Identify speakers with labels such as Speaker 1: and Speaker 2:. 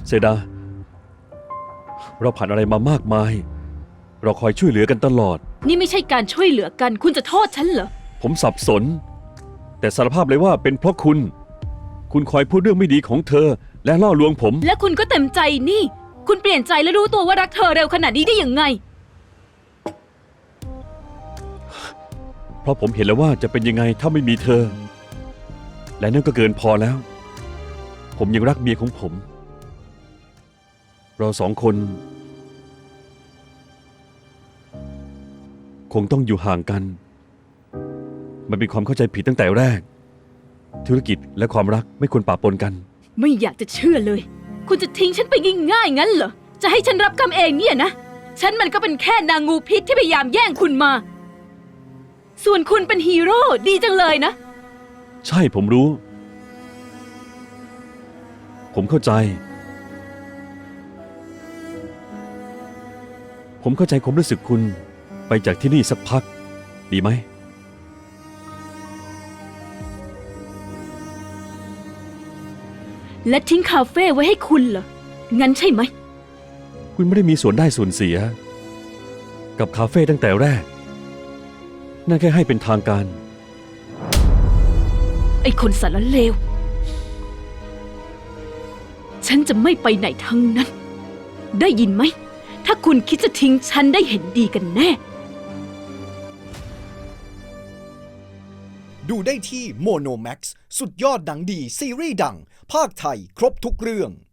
Speaker 1: เซดาเราผ่านอะไรมามากมายเราคอยช่วยเหลือกันตลอด
Speaker 2: นี่ไม่ใช่การช่วยเหลือกันคุณจะโทษฉันเหรอ
Speaker 1: ผมสับสนแต่สารภาพเลยว่าเป็นเพราะคุณคอยพูดเรื่องไม่ดีของเธอและล่อลวงผม
Speaker 2: และคุณก็เต็มใจนี่คุณเปลี่ยนใจและรู้ตัวว่ารักเธอเร็วขนาดนี้ได้ยังไง
Speaker 1: เพราะผมเห็นแล้วว่าจะเป็นยังไงถ้าไม่มีเธอและนั่นก็เกินพอแล้วผมยังรักเมียของผมเราสองคนคงต้องอยู่ห่างกันมันเป็นความเข้าใจผิดตั้งแต่แรกธุรกิจและความรักไม่ควรปะปนกัน
Speaker 2: ไม่อยากจะเชื่อเลยคุณจะทิ้งฉันไปง่ายๆงั้นเหรอจะให้ฉันรับกรรมเองเนี่ยนะฉันมันก็เป็นแค่นางงูพิษที่พยายามแย่งคุณมาส่วนคุณเป็นฮีโร่ดีจังเลยนะ
Speaker 1: ใช่ผมรู้ผมเข้าใจความรู้สึกคุณไปจากที่นี่สักพักดีไหม
Speaker 2: และทิ้งคาเฟ่ไว้ให้คุณเหรองั้นใช่ไหม
Speaker 1: คุณไม่ได้มีส่วนได้ส่วนเสียกับคาเฟ่ตั้งแต่แรกนั่นแค่ให้เป็นทางการ
Speaker 2: ไอ้คนสารเลวฉันจะไม่ไปไหนทั้งนั้นได้ยินไหมถ้าคุณคิดจะทิ้งฉันได้เห็นดีกันแน่
Speaker 3: ดูได้ที่โมโนแม็กซ์สุดยอดหนังดีซีรีส์ดังภาคไทยครบทุกเรื่อง